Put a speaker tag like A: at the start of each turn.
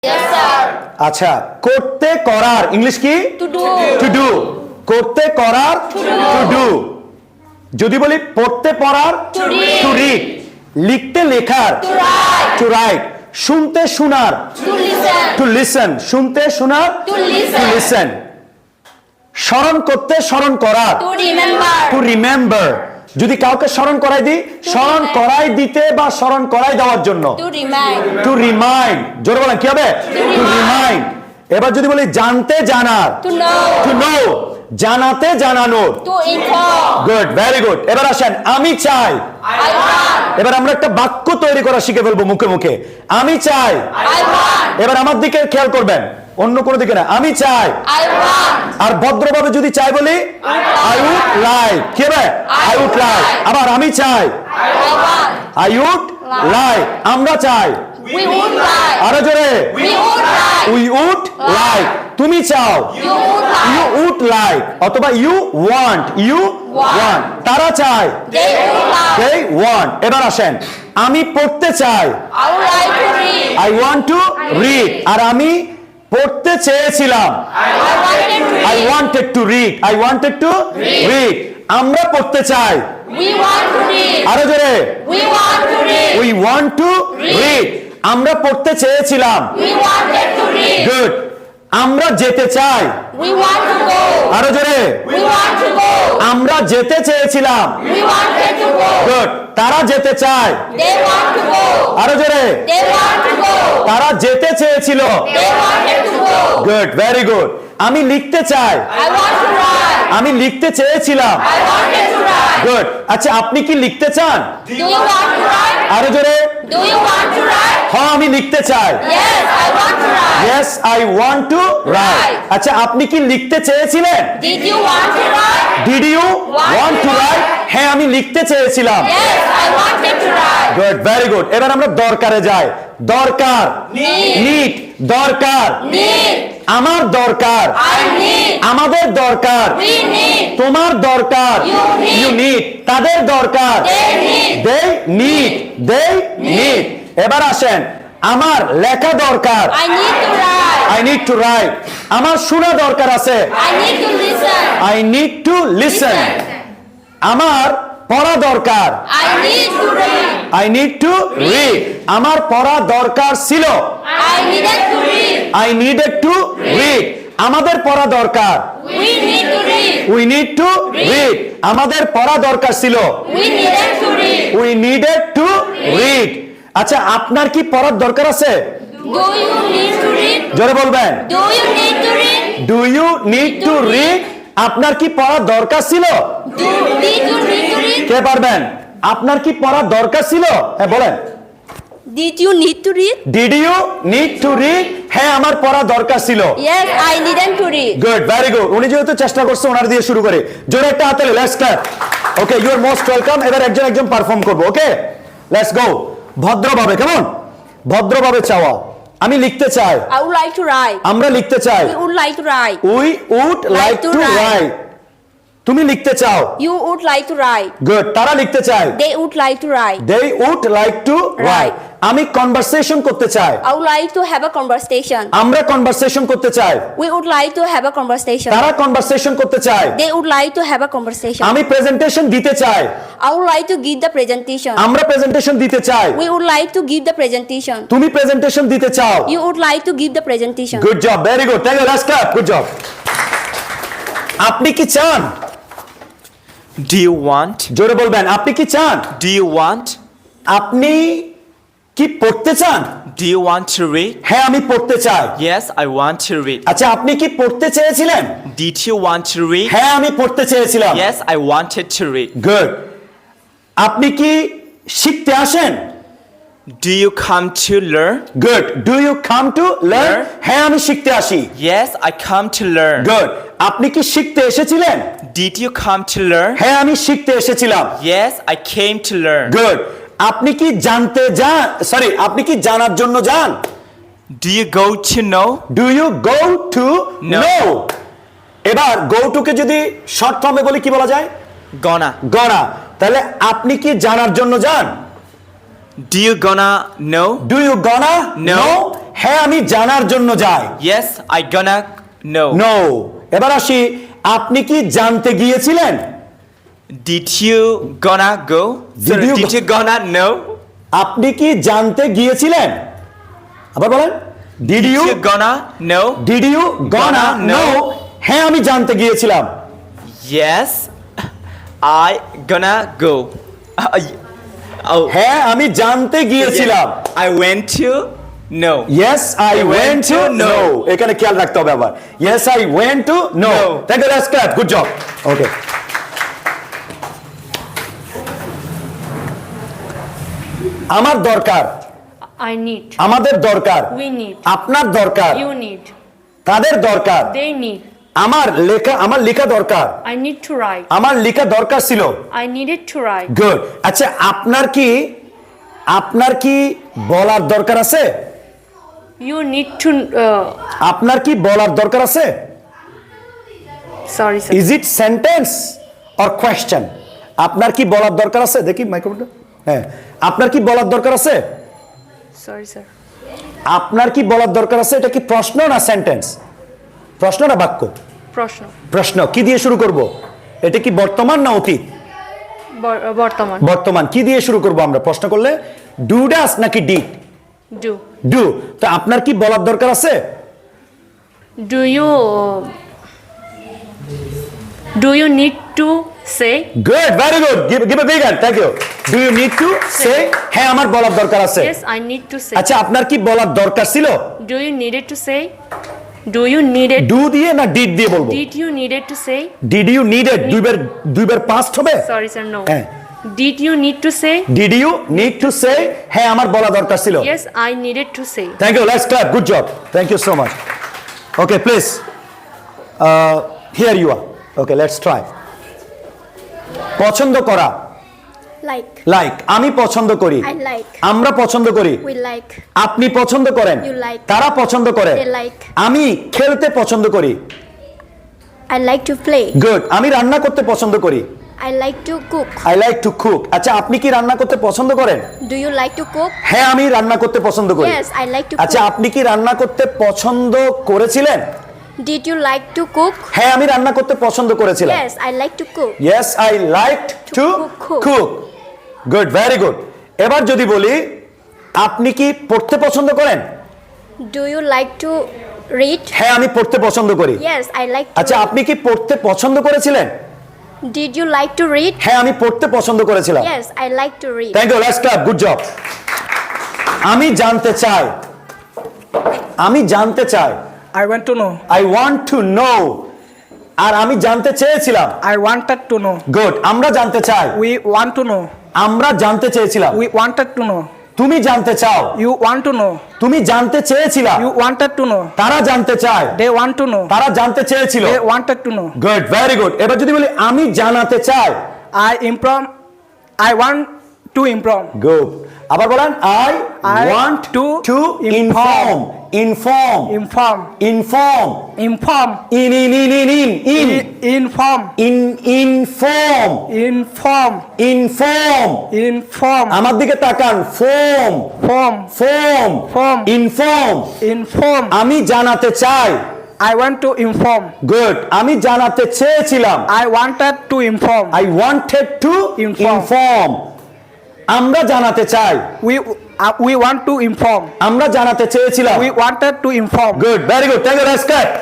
A: Yes, sir.
B: আচ্ছা, করতে করার ইংলিশ কি?
A: To do.
B: To do. করতে করার টু ডু। যদি বলি পড়তে পড়ার
A: To read.
B: To read. লিখতে লেখার
A: To write.
B: Two right. শুনতে শোনার
A: To listen.
B: To listen. শুনতে শোনার
A: To
B: টু
A: listen.
B: লিসেন। স্মরণ করতে স্মরণ করার
A: To remember.
B: To remember. যদি কাউকে স্মরণ করাই দিই, স্মরণ
A: remind.
B: করাই দিতে বা স্মরণ করাই দেওয়ার জন্য
A: To remind.
B: Two remind. জোরে বলেন কি হবে? To remind. এবার যদি বলি জানতে জানার
A: To know.
B: To know. জানাতে জানানোর
A: To inform.
B: Good, very good. এবার আসেন আমি চাই।
A: I want.
B: এবার আমরা একটা বাক্য তৈরি করা শিখে ফেলবো মুখে মুখে। আমি চাই।
A: I want.
B: এবার আমার দিকে খেয়াল করবেন, অন্য কোনো দিকে না। আমি চাই।
A: I want.
B: আর ভদ্রভাবে যদি চাই বলি আই উড লাইক। কি হবে? I would like. আবার আমি চাই।
A: I want.
B: I would like. আমরা চাই।
A: We would like.
B: আরো জোরে।
A: We would like.
B: We would like. তুমি চাও।
A: You would
B: you
A: like.
B: Would like অথবা ইউ ওয়ান্ট। You want. তারা চায়।
A: They would like.
B: They want. এবার আসেন আমি পড়তে চাই।
A: I would like to read.
B: I want to read. আর আমি পড়তে চেয়েছিলাম।
A: I wanted to
B: I
A: read.
B: Wanted to read. I wanted to read. আমরা পড়তে চাই।
A: We want to read.
B: আরো জোরে।
A: We want to read.
B: We want to read. আমরা পড়তে চেয়েছিলাম।
A: We wanted to read.
B: Good. আমরা যেতে চাই।
A: We want to go.
B: আরো জোরে।
A: We want to go.
B: আমরা যেতে চেয়েছিলাম।
A: We wanted to go.
B: Good. তারা যেতে চায়।
A: They want to go.
B: আরো জোরে।
A: They want to go.
B: তারা যেতে চেয়েছিল।
A: They wanted to go.
B: Good, very good. আমি লিখতে চাই।
A: I want to write.
B: আমি লিখতে চেয়েছিলাম।
A: I wanted to write.
B: Good. আচ্ছা, আপনি কি লিখতে চান?
A: Do you want to write?
B: আরো জোরে।
A: Do you want to write?
B: হ্যাঁ, আমি লিখতে চাই।
A: Yes, I want to write.
B: Yes, I want to write. আচ্ছা, আপনি কি লিখতে চেয়েছিলেন?
A: Did you want to write?
B: Did you want to write? হ্যাঁ, আমি লিখতে চেয়েছিলাম।
A: Yes, I wanted to write.
B: Good, very good. এবার আমরা দরকারে যাই। দরকার। নিড। দরকার।
A: Need.
B: আমার দরকার।
A: I need.
B: আমাদের দরকার।
A: We need.
B: তোমার দরকার।
A: You need.
B: You need. তাদের দরকার।
A: They need.
B: They need. They need. এবার আসেন আমার লেখা দরকার।
A: I need to write.
B: I need to write. আমার শোনা দরকার আছে।
A: I need to listen.
B: I need to listen. আমার পড়া দরকার।
A: I need to read.
B: I need to read. আমার পড়া দরকার ছিল।
A: I needed to read.
B: I needed to read. আমাদের পড়া দরকার।
A: We need to read.
B: We need to read. আমাদের পড়া দরকার ছিল।
A: We needed to read.
B: We needed to read. আচ্ছা, আপনার কি পড়ার দরকার আছে?
A: Do you need to read?
B: জোরে বলবেন।
A: Do you need to read?
B: Do you need to read? আপনার কি পড়ার দরকার ছিল?
A: Did you need to read?
B: কে পারবেন? আপনার কি পড়ার দরকার ছিল? হ্যাঁ, বলেন।
A: Did you need to read?
B: Did you need to read? হ্যাঁ, আমার পড়া দরকার ছিল।
A: Yes, I needed to read.
B: Good, very good. উনি যেহেতু চেষ্টা করছে, ওনার দিয়ে শুরু করে জোরে একটা হাতালে। Let's clap. Okay, you are most welcome. এবার একজন একজন পারফর্ম করবো। Okay, let's go. ভদ্রভাবে, কেমন? ভদ্রভাবে চাওয়া। আমি লিখতে চাই।
A: I would like to write.
B: আমরা লিখতে চাই।
A: We would like to write.
B: We would like
A: to
B: to
A: write.
B: Write. তুমি লিখতে চাও।
A: You would like to write.
B: গুড। তারা লিখতে চায়।
A: They would like to write.
B: They would like to write. আমি কনভারসেশন করতে চাই।
A: I would like to have a conversation.
B: আমরা কনভারসেশন করতে চাই।
A: We would like to have a conversation.
B: তারা কনভারসেশন করতে চায়।
A: They would like to have a conversation.
B: আমি প্রেজেন্টেশন দিতে চাই।
A: I would like to give the presentation.
B: আমরা প্রেজেন্টেশন দিতে চাই।
A: We would like to give the presentation.
B: তুমি প্রেজেন্টেশন দিতে চাও।
A: You would like to give the presentation.
B: Good job, very good. Thank you. Let's clap. Good job. আপনি কি চান?
C: Do you want?
B: জোরে বলবেন। আপনি কি চান?
C: Do you want?
B: আপনি কি পড়তে চান?
C: Do you want to read?
B: হ্যাঁ, আমি পড়তে চাই।
C: Yes, I want to read.
B: আচ্ছা, আপনি কি পড়তে চেয়েছিলেন?
C: Did you want to read?
B: হ্যাঁ, আমি পড়তে চেয়েছিলাম।
C: Yes, I wanted to read.
B: Good. আপনি কি শিখতে আসেন?
C: Do you come to learn?
B: Good. Do you come to learn?
C: Learn.
B: হ্যাঁ, আমি শিখতে আসি।
C: Yes, I come to learn.
B: Good. আপনি কি শিখতে এসেছিলেন?
C: Did you come to learn?
B: হ্যাঁ, আমি শিখতে এসেছিলাম।
C: Yes, I came to learn.
B: Good. আপনি কি জানতে যান? সরি, আপনি কি জানার জন্য যান?
C: Do you go to know?
B: Do you go to
C: No.
B: Know? এবার গো টু কে যদি শর্ট ফর্মে বলি কি বলা যায়?
C: Gonna.
B: গনা। তাহলে আপনি কি জানার জন্য যান?
C: Do you gonna know?
B: Do you gonna
C: No.
B: Know? হ্যাঁ আমি জানার জন্য যাই।
C: Yes, I gonna know.
B: Know. এবার আসি, আপনি কি জানতে গিয়েছিলেন?
C: Did you gonna go? Sorry,
B: you
C: did
B: go-
C: you gonna know?
B: আপনি কি জানতে গিয়েছিলেন? আবার বলেন, did
C: Did
B: you
C: you gonna know?
B: Did you gonna
C: Gonna
B: know?
C: know?
B: হ্যাঁ আমি জানতে গিয়েছিলাম।
C: Yes, I gonna go. Oh,
B: হ্যাঁ আমি জানতে গিয়েছিলাম।
C: I went to know.
B: Yes, I went to know.
C: know.
B: এখানে খেয়াল রাখতে হবে আবার। Yes, I went to know.
C: Know.
B: Thank you, let's clap. Good job. Okay. আমার দরকার,
D: I need.
B: আমাদের দরকার,
D: We need.
B: আপনার দরকার,
D: You need.
B: তাদের দরকার,
D: They need.
B: আমার লেখা দরকার,
D: I need to write.
B: আমার লেখা দরকার ছিল।
D: I needed to write.
B: Good. আচ্ছা আপনার কি বলার দরকার আছে?
D: You need to.
B: আপনার কি বলার দরকার আছে?
D: Sorry, sir.
B: Is it sentence or question? আপনার কি বলার দরকার আছে? দেখি মাইক্রোফোনটা। হ্যাঁ, আপনার কি বলার দরকার আছে?
D: Sorry, sir.
B: আপনার কি বলার দরকার আছে? এটা কি প্রশ্ন না সেন্টেন্স? প্রশ্ন না বাক্য?
D: প্রশ্ন।
B: প্রশ্ন। কি দিয়ে শুরু করব? এটা কি বর্তমান না অতীত?
D: বর্তমান।
B: বর্তমান। কি দিয়ে শুরু করব আমরা প্রশ্ন করলে? ডু ডাস নাকি ডিড?
D: Do.
B: ডু। তো আপনার কি বলার দরকার আছে?
D: Do you need to say?
B: Good, very good, give a big hand. Thank you. Do you need to say? হ্যাঁ আমার বলার দরকার আছে।
D: Yes, I need to say.
B: আচ্ছা আপনার কি বলার দরকার ছিল?
D: Do you needed to say? Do you needed?
B: Do দিয়ে না ডিড দিয়ে বলবো?
D: Did you needed to say?
B: Did you needed দুইবার পাস্ট হবে?
D: Sorry, sir. No.
B: হ্যাঁ।
D: Did you need to say?
B: Did you need to say? হ্যাঁ আমার বলা দরকার ছিল।
D: Yes, I needed to say.
B: Thank you, let's clap. Good job, thank you so much. Okay please, here you are. Okay let's try. পছন্দ করা,
A: Like.
B: Like. আমি পছন্দ করি,
A: I like.
B: আমরা পছন্দ করি,
A: We like.
B: আপনি পছন্দ করেন,
A: You like.
B: তারা পছন্দ করে,
A: They like.
B: আমি খেলতে পছন্দ করি।
A: I like to play.
B: Good. আমি রান্না করতে পছন্দ করি।
A: I like to cook.
B: I like to cook. আচ্ছা আপনি কি রান্না করতে পছন্দ করেন?
A: Do you like to cook?
B: হ্যাঁ আমি রান্না করতে পছন্দ করি।
A: Yes, I like to
B: আচ্ছা
A: cook.
B: আপনি কি রান্না করতে পছন্দ করেছিলেন?
A: Did you like to cook?
B: হ্যাঁ আমি রান্না করতে পছন্দ করেছিলাম।
A: Yes, I like to cook.
B: Yes, I liked to
A: cook.
B: cook. Good, very good. এবার যদি বলি, আপনি কি পড়তে পছন্দ করেন?
A: Do you like to read?
B: হ্যাঁ আমি পড়তে পছন্দ করি।
A: Yes, I like to
B: আচ্ছা
A: read.
B: আপনি কি পড়তে পছন্দ করেছিলেন?
A: Did you like to read?
B: হ্যাঁ আমি পড়তে পছন্দ করেছিলাম।
A: Yes, I like to read.
B: Thank you, let's clap. Good job. আমি জানতে চাই, আমি জানতে চাই।
E: I want to know.
B: I want to know. আর আমি জানতে চেয়েছিলাম।
E: I wanted to know.
B: Good. আমরা জানতে চাই।
E: We want to know.
B: আমরা জানতে চেয়েছিলাম।
E: We wanted to know.
B: তুমি জানতে চাও।
E: You want to know.
B: তুমি জানতে চেয়েছিলা।
E: You wanted to know.
B: তারা জানতে চায়।
E: They want to know.
B: তারা জানতে চেয়েছিল।
E: They wanted to know.
B: Good, very good. এবার যদি বলি আমি জানাতে চাই।
E: I want to improve.
B: Good. আবার বলেন, I
E: I
B: want to
E: to
B: inform. Inform.
E: Inform.
B: Inform.
E: Inform.
B: In in in in in in
E: Inform.
B: In inform.
E: Inform.
B: Inform.
E: Inform.
B: আমার দিকে তাকান। Form.
E: Form.
B: Form.
E: Form.
B: Inform.
E: Inform.
B: আমি জানাতে চাই।
E: I want to inform.
B: Good. আমি জানাতে চেয়েছিলাম।
E: I wanted to inform.
B: I wanted to
E: Inform.
B: inform. আমরা জানাতে চাই।
E: We want to inform.
B: আমরা জানাতে চেয়েছিলাম।
E: We wanted to inform.
B: Good, very good, thank you, let's clap.